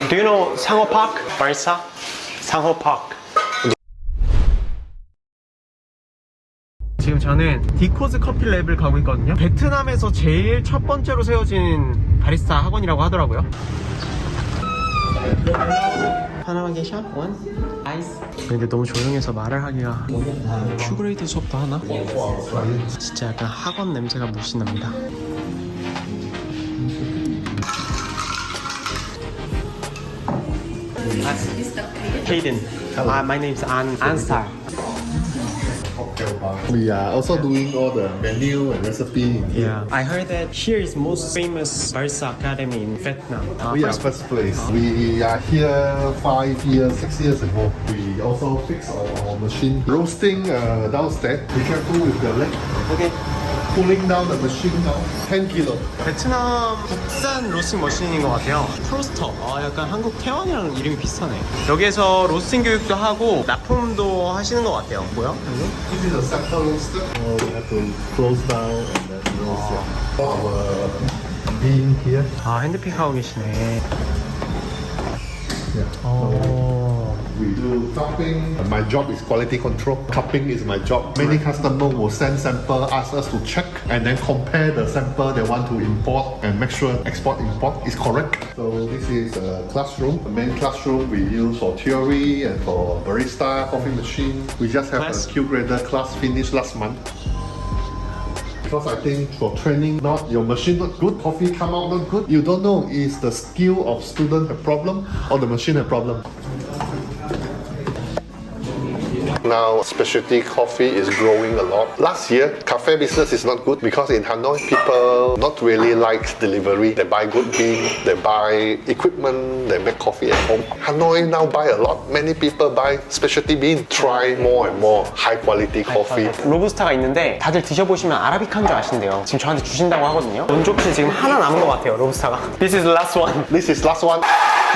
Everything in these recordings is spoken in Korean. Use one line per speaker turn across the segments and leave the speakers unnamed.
Do you know Sanho Park? Barista? Sanho Park. 지금 저는 디코즈 커피랩을 가고 있거든요. 베트남에서 제일 첫 번째로 세워진 바리스타 학원이라고 하더라고요. 하나만 계셔? 원? 아이스? 근데 너무 조용해서 말을 하기가. 큐그레이드 수업도 하나? 진짜 약간 학원 냄새가 물씬 납니다. Hayden. My name is Ansar.
We are also doing all the menu and recipe in here.
Yeah, I heard that here is most famous barista academy in Vietnam.
We are first place. We are here 5 years, 6 years ago. We also fix our machine. Roasting downstairs. Be careful with the leg.
Okay.
Pulling down the machine now. 10 kilo.
베트남 국산 로스팅 머신인 것 같아요. 프로스터. 약간 한국 태원이랑 이름이 비슷하네. 여기에서 로스팅 교육도 하고 납품도 하시는 것 같아요. 뭐야?
This is a sample roaster. We have to close down and then roast it. Our bean here.
핸드픽 하고 계시네.
Yeah. We do cupping. My job is quality control. Cupping is my job. Many customers will send sample, ask us to check, and then compare the sample they want to import and make sure export-import is correct. So this is a classroom. The main classroom we use for theory and for barista, coffee machine. We just have a Q-grader class finished last month. Because I think for training, not your machine not good, coffee come out not good. You don't know is the skill of student a problem or the machine a problem. Now, specialty coffee is growing a lot. Last year, cafe business is not good because in Hanoi, people not really like delivery. They buy good bean, they buy equipment, they make coffee at home. Hanoi now buy a lot. Many people buy specialty bean. Try more and more high quality coffee.
로부스타가 있는데 다들 드셔보시면 아라비카인 줄 아신대요. 지금 저한테 주신다고 하거든요. 원조피 지금 하나 남은 것 같아요, 로부스타가. This is the last one.
This is last one.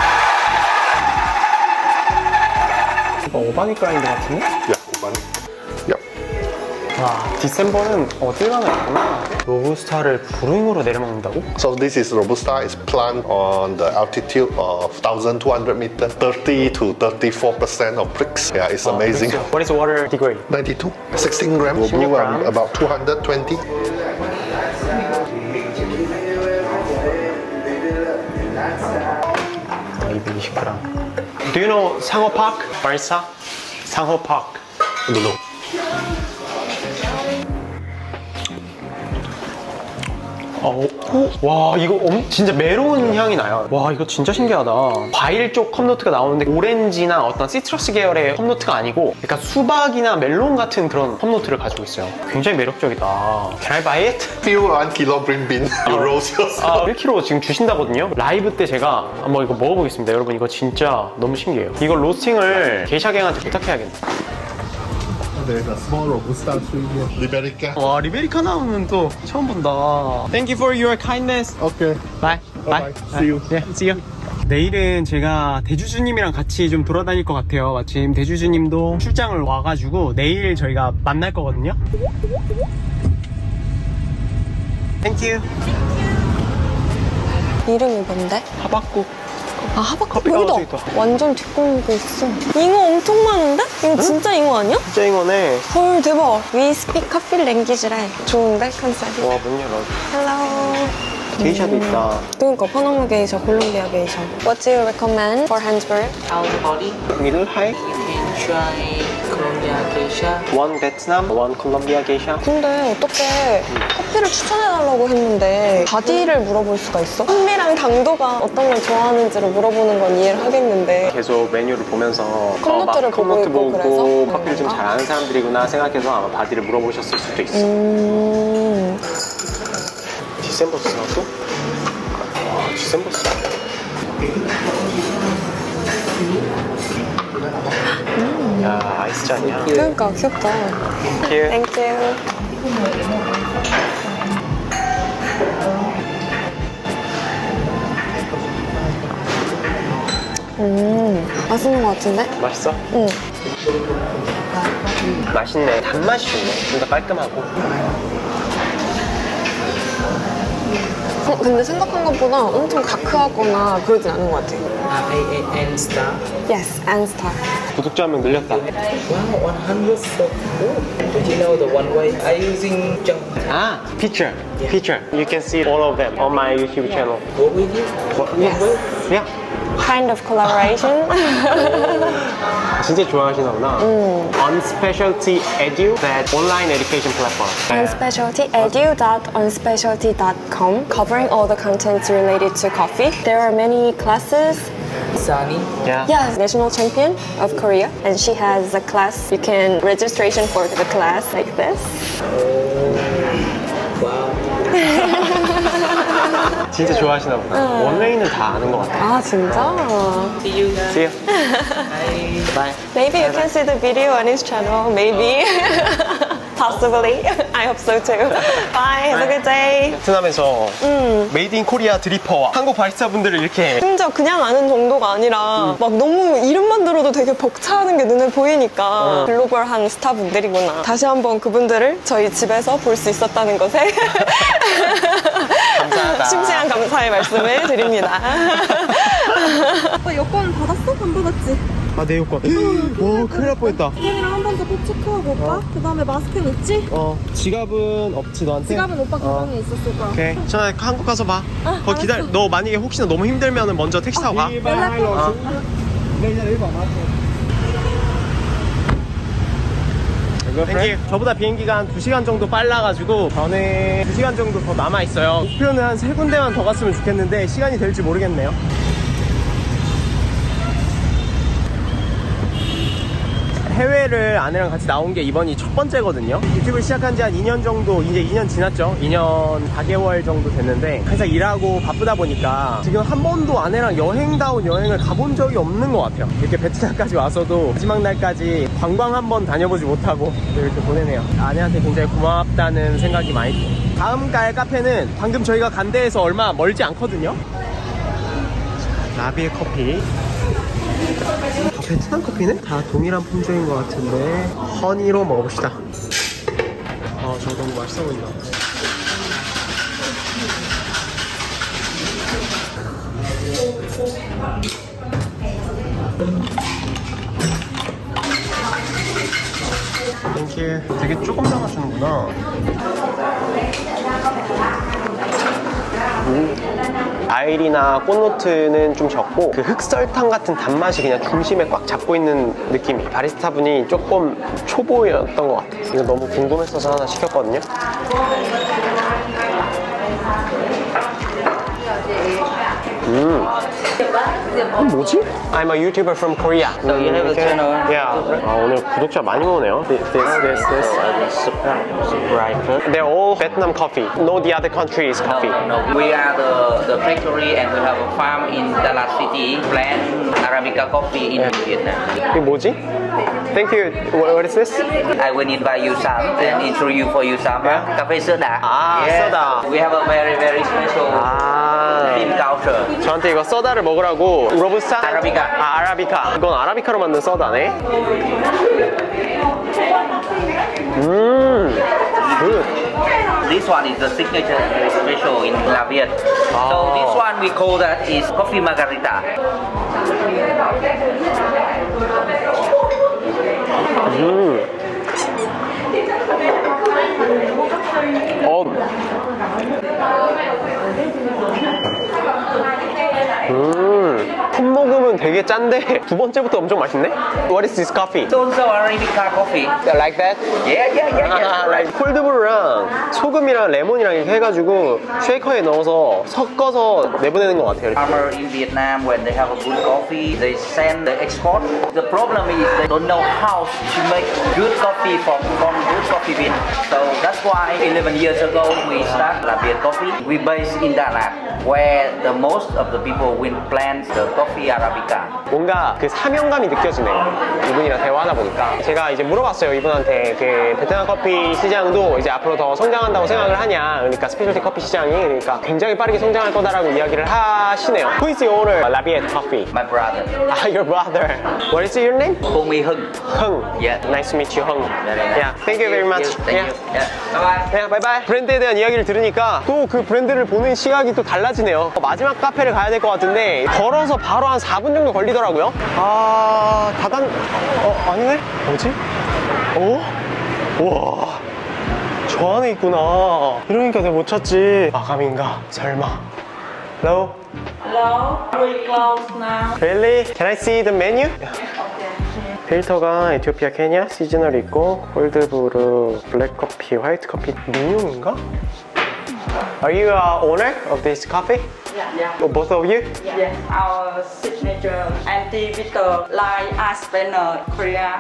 오바닉 그라인드 같은데?
Yeah, one. Yep.
와, 디셈버는 어딜 가나 있구나. 로부스타를 브루잉으로 내려먹는다고?
So this is Robusta. It's planted on the altitude of 1,200 meters, 30 to 34% of bricks. Yeah, it's amazing.
What is water degree?
92, 16 grams.
16 grams.
About 220.
220g. Do you know Sanho Park? Barista? Sanho Park.
I don't know.
와, 이거 진짜 메론 향이 나요. 와, 이거 진짜 신기하다. 과일 쪽 컵노트가 나오는데 오렌지나 어떤 시트러스 계열의 컵노트가 아니고 약간 수박이나 멜론 같은 그런 컵노트를 가지고 있어요. 굉장히 매력적이다. Can I buy it?
Few 1 kilo green bean. You roast yourself.
1kg 지금 주신다거든요. 라이브 때 제가 한번 이거 먹어보겠습니다. 여러분, 이거 진짜 너무 신기해요. 이거 로스팅을 게이샤갱한테 부탁해야겠네.
There's a small Robusta tree here. Liberica.
와, 리베리카 나오는 또 처음 본다. Thank you for your kindness.
Okay.
Bye.
Bye. See you.
네, see you. 내일은 제가 대주주님이랑 같이 좀 돌아다닐 것 같아요. 마침 대주주님도 출장을 와가지고 내일 저희가 만날 거거든요. Thank you.
이름이 뭔데?
하박국.
하박국
커피가
여기다
어디 있다.
완전 뒷골목에 있어. 잉어 엄청 많은데? 이거 진짜 잉어 아니야?
진짜 이거네.
헐 대박. We speak coffee language래. 좋은데 컨셉이.
와, 문 열어.
Hello.
게이샤도 있다.
그러니까 파나마 게이샤, 콜롬비아 게이샤. What do you recommend for Hansburg?
Our body,
Middle high.
you can try Colombia geisha.
One Vietnam, one Colombia geisha.
근데 어떻게 커피를 추천해달라고 했는데 바디를 물어볼 수가 있어? 풍미랑 당도가 어떤 걸 좋아하는지를 물어보는 건 이해를 하겠는데
계속 메뉴를 보면서
컵노트를
막
보고
컵노트
있고
보고
그래서?
커피를 좀 잘 아는 사람들이구나 생각해서 아마 바디를 물어보셨을 수도 있어. 디셈버스 나왔어? 와, 디셈버스. 야, 아이스잔이야.
그러니까 귀엽다.
Thank you.
Thank you. 맛있는 것 같은데?
맛있어?
응.
맛있네. 단맛이 좋네. 좀 더 깔끔하고.
근데 생각한 것보다 엄청 다크하거나 그러진 않은 것 같아.
R-A-N star.
Yes, and star.
구독자 한 명 늘렸다.
Wow, 100 so cool. Did you know the one way I using jump?
아, picture. You can see all of them on my YouTube channel.
What with you?
Yeah.
Kind of collaboration.
진짜 좋아하시나 보다. On Specialty Edu, that online education platform.
onspecialtyedu.onspecialty.com, covering all the contents related to coffee. There are many classes.
Sunny.
Yeah.
Yes, national champion of Korea, and she has a class. You can registration for the class like this.
Wow.
진짜 좋아하시나 보다. 원웨이는 다 아는 것 같아.
아 진짜?
See you guys.
See you.
Bye.
Bye.
Maybe you can see the video on his channel. Maybe. Possibly. I hope so too. Bye. Have a good day.
베트남에서 메이드 인 코리아 드리퍼와 한국 바리스타 분들을 이렇게
심지어 그냥 아는 정도가 아니라 막 너무 이름만 들어도 되게 벅차는 게 눈에 보이니까 글로벌한 스타분들이구나. 다시 한번 그분들을 저희 집에서 볼 수 있었다는 것에
감사하다.
심심한 감사의 말씀을 드립니다. 여권 받았어? 안 받았지?
아, 내 요건. 와, 큰일 날 뻔했다.
지갑이랑 한 번 더 꼭 체크하고 오빠. 그 다음에 마스크는 있지?
지갑은 없지, 너한테?
지갑은 오빠 가방에 있었을 거야.
오케이. 전화 한국 가서 봐. 거기 기다려. 너 만약에 혹시나 너무 힘들면 먼저 택시 타고 가. 땡큐. 저보다 비행기가 한 2시간 정도 빨라가지고 저는 2시간 정도 더 남아있어요. 목표는 한 3군데만 더 갔으면 좋겠는데 시간이 될지 모르겠네요. 해외를 아내랑 같이 나온 게 이번이 첫 번째거든요. 유튜브를 시작한 지 한 2년 정도, 이제 2년 지났죠. 2년 4개월 정도 됐는데 항상 일하고 바쁘다 보니까 지금 한 번도 아내랑 여행다운 여행을 가본 적이 없는 것 같아요. 이렇게 베트남까지 와서도 마지막 날까지 관광 한 번 다녀보지 못하고 이렇게 보내네요. 아내한테 굉장히 고맙다는 생각이 많이 들어요. 다음 갈 카페는 방금 저희가 간 데에서 얼마 멀지 않거든요. 라비의 커피. 베트남 커피는 다 동일한 품종인 것 같은데 허니로 먹어봅시다. 저거 너무 맛있어 보인다. 땡큐. 되게 조금 담아주는구나. 과일이나 꽃노트는 좀 적고 그 흑설탕 같은 단맛이 그냥 중심에 꽉 잡고 있는 느낌이. 바리스타 분이 조금 초보였던 것 같아요. 이거 너무 궁금했어서 하나 시켰거든요. 뭐지? I'm a YouTuber from Korea.
So you have a channel?
Yeah. 오늘 구독자 많이 오네요. This.
Subscriber.
They're all Vietnam coffee. No, the other country's coffee.
No, we are the factory and we have a farm in Dalat City, plant Arabica coffee in Vietnam.
이게 뭐지? Thank you. What is this?
I will invite you some and introduce you for you some cafe soda.
Ah, soda.
We have a very special bean culture.
저한테 이거 소다를 먹으라고. 로부스타?
아라비카.
아라비카. 이건 아라비카로 만든 소다네. good.
This one is the signature very special in La Viet. So this one we call that is coffee margarita.
컵 먹으면 되게 짠데 두 번째부터 엄청 맛있네? What is this coffee?
It's also Arabica coffee.
Like that?
Yeah.
Right. 콜드브루랑 소금이랑 레몬이랑 이렇게 해가지고 쉐이커에 넣어서 섞어서 내보내는 것 같아요.
Farmer in Vietnam, when they have a good coffee, they send the export. The problem is they don't know how to make good coffee from good coffee bean. So that's why 11 years ago we start La Viet Coffee. We based in Dalat, where the most of the people will plant the coffee Arabica. Arabica.
뭔가 그 사명감이 느껴지네요. 이분이랑 대화하다 보니까. 제가 이제 물어봤어요. 이분한테 그 베트남 커피 시장도 이제 앞으로 더 성장한다고 생각을 하냐. 그러니까 스페셜티 커피 시장이 그러니까 굉장히 빠르게 성장할 거다라고 이야기를 하시네요. Who is the owner of Labiet Coffee?
My brother.
Ah, your brother. What is your name?
Call me Hưng.
Hung.
Yeah.
Nice to meet you, Hung.
Yeah.
Yeah. Thank you very much.
Thank you. Yeah. Bye bye.
네, 바이바이. 브랜드에 대한 이야기를 들으니까 또 그 브랜드를 보는 시각이 또 달라지네요. 마지막 카페를 가야 될 것 같은데 걸어서 바로 한 4분 정도 걸리더라고요. 아, 아니네? 뭐지? 우와. 저 안에 있구나. 이러니까 내가 못 찾지. 마감인가? 설마. Hello?
Hello, we close now.
Really? Can I see the menu? 필터가 에티오피아, 케냐, 시즈널 있고 콜드브루, 블랙커피, 화이트 커피 민용인가? Are you owner of this coffee?
Yeah.
Or both of you?
Yes, our signature anti-bitter line ice spanner Korea.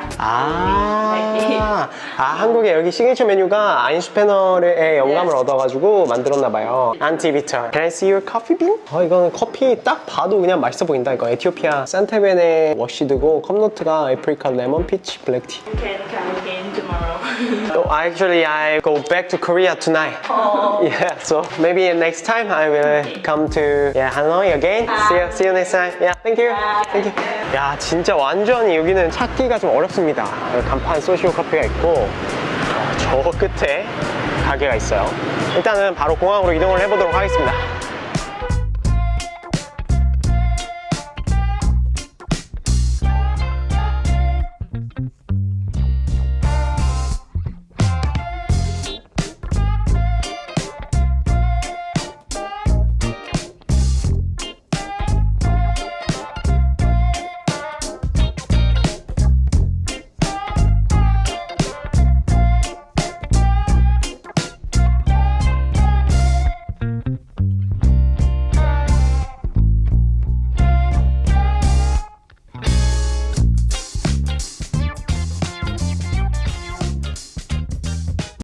한국에 여기 시그니처 메뉴가 아인슈페너의 영감을 얻어가지고 만들었나봐요. 안티비터. Can I see your coffee bean? 이거는 커피 딱 봐도 그냥 맛있어 보인다. 이거 에티오피아 산테벤의 워시드고 컵노트가 애프리카 레몬 피치 블랙티.
You can come again tomorrow.
Actually, I go back to Korea tonight. Yeah, so maybe next time I will come to Hanoi again. See you next time. Yeah, thank you. Thank you. 야, 진짜 완전히 여기는 찾기가 좀 어렵습니다. 간판 소시오 커피가 있고 저 끝에 가게가 있어요. 일단은 바로 공항으로 이동을 해보도록 하겠습니다.